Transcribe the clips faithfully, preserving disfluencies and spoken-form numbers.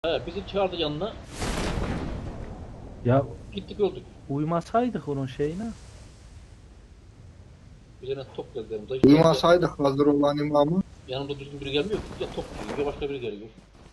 He, bizi çağırdı yanına. Ya Gittik öldük. uymasaydık onun şeyine. Üzerine top geldi yanımda. Hiç yanımda, Uyumasaydık hazır olan imamı. yanımda düzgün biri gelmiyor. Ya top geliyor ya başka biri geliyor.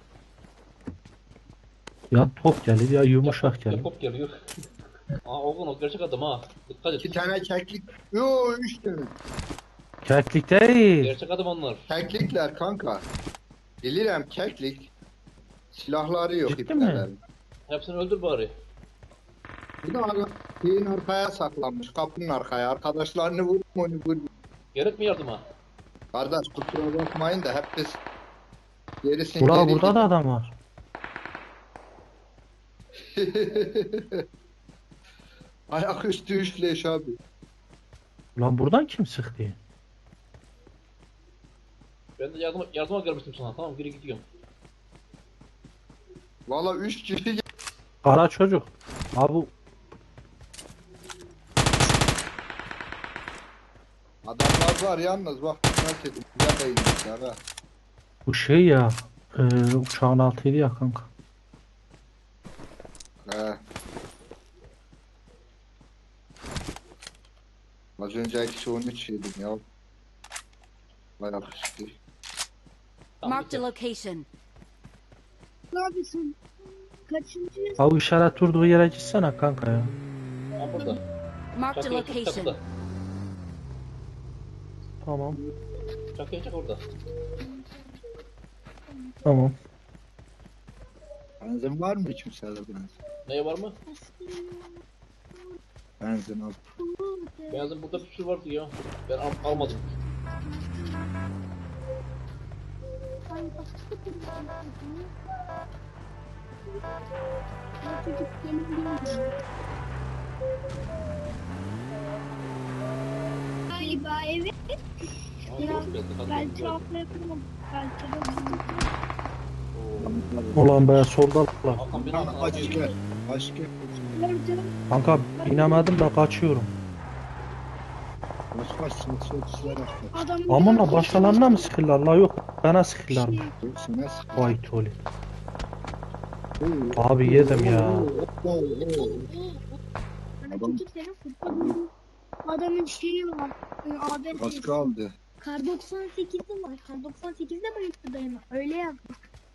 Ya top gelir ya Ya yumuşak top, ya gelir. top geliyor. Aa Oğlum o gerçek adam ha. Dikkat et. İki tane keklik. Yo üç tane. Keklik değil. Gerçek adam onlar. Keklikler kanka. Bilirim keklik. Silahları yok Ciddi mi? iplerin. Hepsini öldür bari. Bir de ara- şeyin arkaya saklanmış. Kapının arkaya. Arkadaşlarını vurma onu vur. Gerek mi yardıma? Kardeş kusura bakmayın da hep biz gerisin Burada geri burada da adam var. Ayak üstü üçleş abi. Lan buradan kim sıktı? Ben de yardıma, yardıma gelmiştim sana. Tamam geri gidiyorum. Valla üç kişi Kara çocuk. Abi adamlar var yalnız bak dikkat edin. Güzel değilmişler ha. bu şey ya. E, uçağın altıydı ya kanka. He. Az önce eksi on üç yedim ya. Bayağı kıştı. Tamam, Marked a gidelim. location. Neredesin? Kaçıncı? Abi işaret durduğu yere gitsene kanka ya. Ha burada. Marked a Çakıya çak location. çakıda. Tamam. Çakıya çak orada. Tamam. Benzin var mı kimsede benzin? Neye var mı? Benzin al. Beyazın burada bir sürü vardı ya. Ben al almadım. Çocuk geliyor. Galiba evet. Ha, Ya, hoş geldin. Hadi Ben gel. tuhafla yapamam. Belki de Oo. Ulan be solda lan. Hakan beni Lan al. aç gel. Aç gel. Nerede? Kanka binemedim de kaçıyorum. Kaç kaç saat saat saat Adam Aman la başkalarına mı sıkırlar la yok. Bana sıkırlar mı? Dur sana sık. Vay toli. Abi yedim ya. Adam- Adamın şeyi var. A B Az S'si. kaldı. Kar doksan sekizde var. Kar doksan sekizde bayıldı dayanır. Öyle yazmış.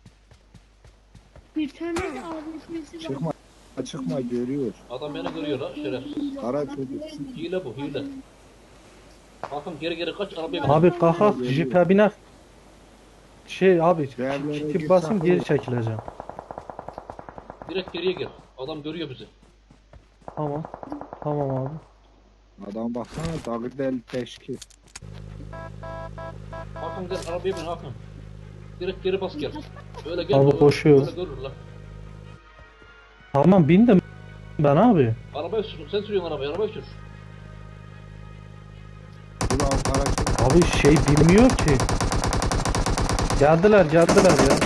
Bir tane de A B S'si var. Çıkma. Çıkma görüyor. Adam beni görüyor la şeref. Kara çocuk. Hile bu hile. Hakan geri geri kaç arabaya bin. Abi kalk jipe biner. Şey abi Değerlere tip git, basın sakın. geri çekileceğim. Direkt geriye gir. Adam görüyor bizi. Tamam. Tamam abi. Adam baksana dalı del teşki. Hakan gel arabaya bin Hakan. Direkt geri bas gel. Öyle gel. Abi öyle- koşuyor. Öyle görür la. Tamam bindim ben abi. Arabayı sür. Sen sürüyorsun arabayı. Arabayı sür. Ulan kara çocuk. Abi şey bilmiyor ki. Geldiler geldiler ya.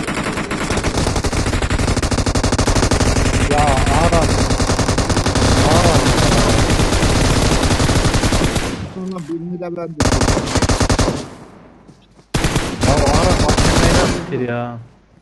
Ya Aras. Aras. Sonra birini de ben de. Ya Aras hakemeye nasıl ya?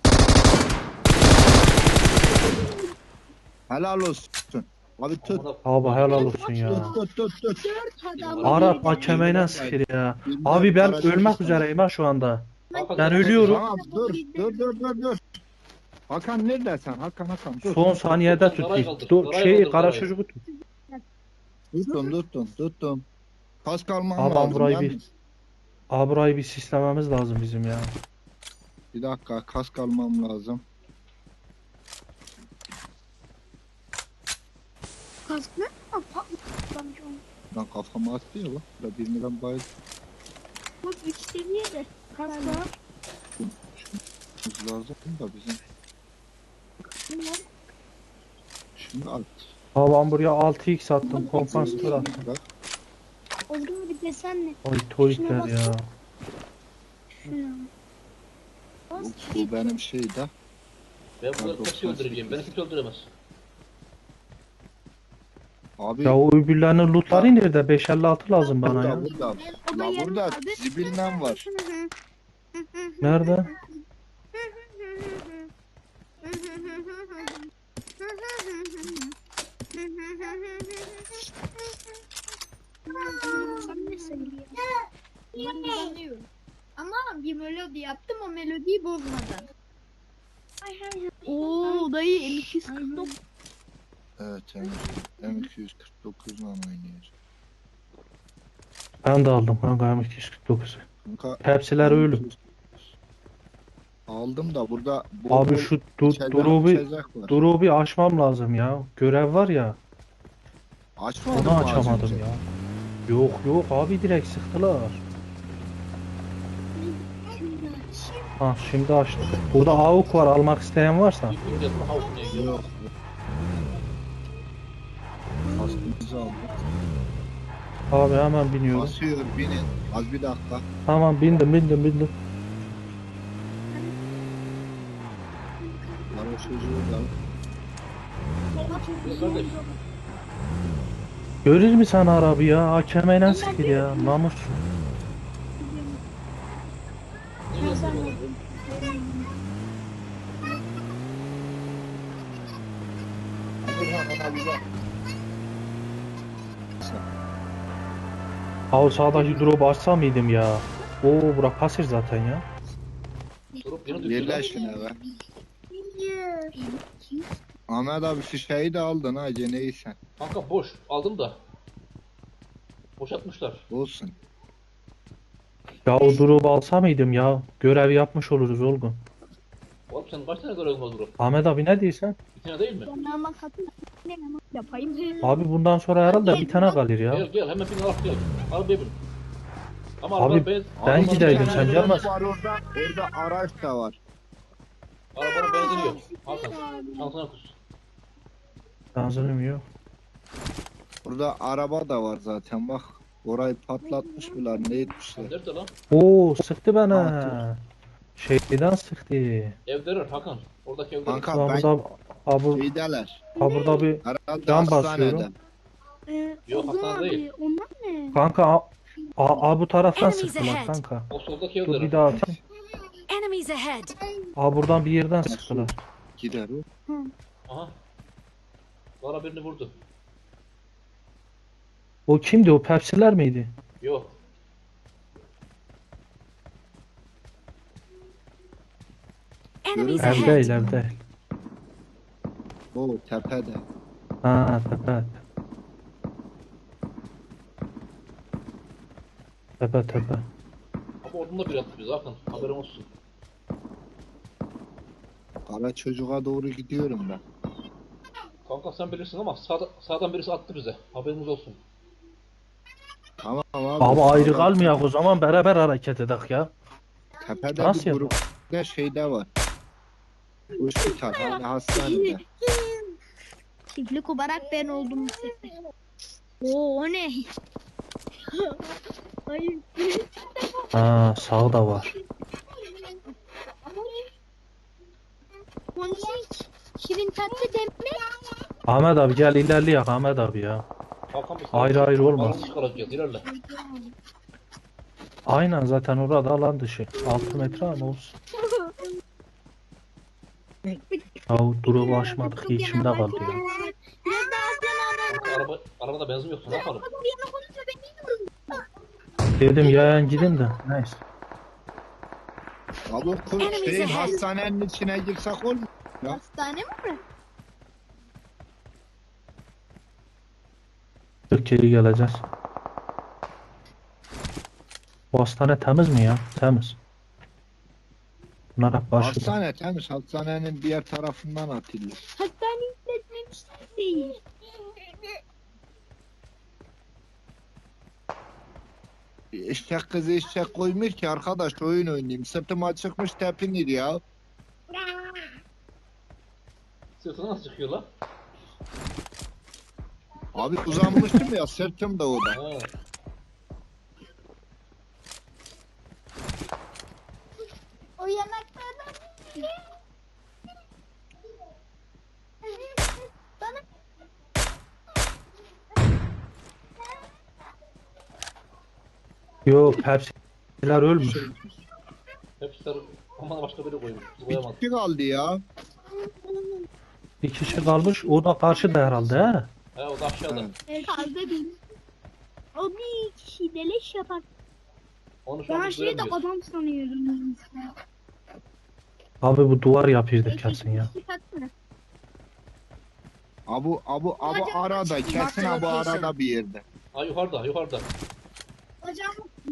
Helal olsun. Abi tut. Amına- Abi helal olsun ya. Tut tut tut tut. Dört adam. Arap hakemeye sıkır ya. Abi ben ölmek üzereyim ha şu anda. Hakan, Ben sen- ölüyorum. Tamam dur dur dur dur dur. Hakan neredesin? Hakan Hakan dur. Son saniyede Karayı tut. kaldır, Dur karayı şey kaldır, kara karayı. çocuğu tut. Tuttum tuttum tuttum. Kask almam Abi lazım. burayı yalnız. bir Abi burayı bir sislememiz lazım bizim ya. Bir dakika kask almam lazım. Kask ne? Aa, patlamış onu. Ben kafama attı ya bak. Burada birini ben bayıldım Bak üç seviyede. Kask var. lazım da bizim. Bunlar Şimdi at. Abi ben buraya altı x attım. Kompansatör attım. Bak. Ozgun bir desenle. Ay toyikler ya. Şuna. Bu, bu benim şey de. Ben bunları kaçı öldüreceğim. Beni kimse öldüremez. Abi Ya o öbürlerinin lootları nerede? beş elli altı lazım bana burada ya. burada. O da La yarım burada kaldı. zibilden var. Nerede? Sen ne söylüyorsun? Ben inanıyorum. Ama bir melodi yaptım, o melodiyi bozmadan. Oo dayı M iki yüz kırk dokuz. Evet M iki yüz kırk dokuz ile oynuyoruz. Ben de aldım kanka M iki yüz kırk dokuzu. Kanka, Hepsiler ölüm. aldım da burada bol Abi bol şu du içecek- drop'u içecek var. drop'u açmam lazım ya. Görev var ya. Açmadın Onu mı az açamadım önce? ya. Yok yok abi direkt sıktılar. Ha şimdi açtım. Burada AUK var almak isteyen varsa. İlk yazma havuk ne Yok. yiyor? Aslımızı aldık. Abi hemen biniyorum. Basıyor binin. Az bir dakika. Tamam bindim bindim bindim. Ara çocuğu da. Biz kardeş. Görür mü sen arabi ya? Hakemeyle sıkır ya. Namus. Ne yazma bu? Burhan ona bir bak. Ha o sağdaki drop'u açsa mıydım ya? Oo bura pasir zaten ya. Durup yeni düşüyor. Yerler şuna be. Ahmet abi şişeyi de aldın ha ceneyi sen. Kanka boş. Aldım da. Boşaltmışlar. Olsun. Ya o drop'u alsa mıydım ya? Görev yapmış oluruz Olgun. Oğlum sen kaç tane görevin var Durup? Ahmet abi ne diyorsun? Bir tane değil mi? Ben ama katıl ne ama yapayım. Abi bundan sonra herhalde bir tane kalır ya. Gel gel hemen bin al gel. Al bir bin. Ama Abi, arabanın benzin... ben arabanın gideydim, benzin- sen gelmezsin. Var orada. Orada araç da var. Arabanın benzini yok. Al sen. Şansına kus. Benzinim yok. Burada araba da var zaten bak. Orayı patlatmışlar ne etmişler. Nerede lan? Oo sıktı bana. Şeyden sıktı. Evdeler Hakan. Oradaki evdeler. Kanka Ha ben burada, ha bu, şeydeler. ha burada bir Herhalde Can hastanede. basıyorum. Ee, Yok, Ozan Hasan abi, değil. onlar ne? kanka a, a, a bu taraftan Enemies sıktılar ahead. kanka. O soldaki Dur bir evdeler. daha atayım. Enemies ahead! A buradan bir yerden sıktılar. Gider o. Aha. Bana birini vurdu. O kimdi o Pepsi'ler miydi? Yok. Enemies Ev Ev değil ahead! ev değil. O tepede. Ha tepe. Tepe tepe. Ama oradan da bir attı bizi Hakan. Haberin olsun. Kara çocuğa doğru gidiyorum ben. Kanka sen bilirsin ama sağda, sağdan birisi attı bize. Haberiniz olsun. Tamam abi. Abi ayrı sağda- kalmayak o zaman beraber hareket edek ya. Tepede Nasıl bir yapalım? grupta şeyde var. Hospital hani hastanede. Çiftli kubarak ben oldum bu sefer. Oo o ne? Hayır. Ha sağda var. Ponçik. Şirin tatlı demek. Ahmet abi gel ilerleyak Ahmet abi ya. Hakan biz Ayrı ayrı olmaz. Alanı çıkaracağız. İlerle. Aynen zaten orada alan dışı. altı metre ama olsun. Ya duru açmadık içimde kaldı ya. Biraz daha sen Kanka araba, arabada benzin yoksa ne yapalım? Bir yana konuşma ben bilmiyorum. Dedim yayan gidin de neyse. Abi okul Enemies şeyin ahead. hastanenin içine girsek olmuyor. Ya. Hastane mi burası? Türkiye'ye geleceğiz. Bu hastane temiz mi ya? Temiz. Bunlar hep başında. Hastane temiz. Hastanenin diğer tarafından atılıyor. Hastane işletmemişler değil. Eşek kızı eşek koymuyor ki arkadaş oyun oynayayım. Sırtıma çıkmış tepinir ya. Sırtına nasıl çıkıyor lan? Abi uzanmıştım ya sırtım da o da. Ha. O yanaklardan bana Yok Pepsi'ler ölmüş. Hepsi sarı. Aman başka biri koymuş. Biz koyamadık. Bir kaldı ya. Bir kişi kalmış. O da karşıda herhalde he. He o da aşağıda. Evet. Evet, fazla değil. O bir kişi deleş yapar. Onu şu an Ben biz şeyi de göremiyoruz. adam sanıyordum. Abi bu duvar yapıyordur kesin ya. Abu abu abu Hocam, arada kesin abu location. arada bir yerde. Ha yukarıda yukarıda. Hocam.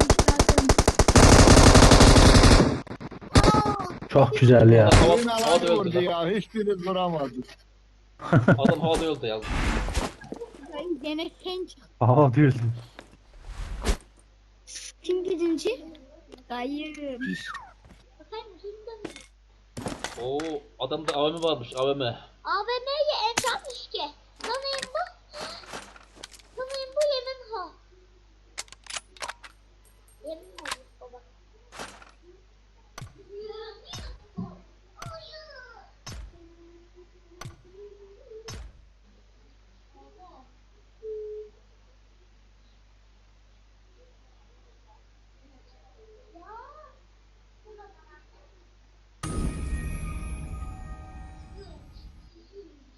Çok güzel ya. Adam hava, Yine havada alan öldü vurdu lan. ya. Hiçbiri duramadı. Adam havada öldü ya. Ben gene sen çık. Aha bildim. Kim birinci? Dayı. Oo adamda A V M varmış A V M. A V M'yi en yapmış ki.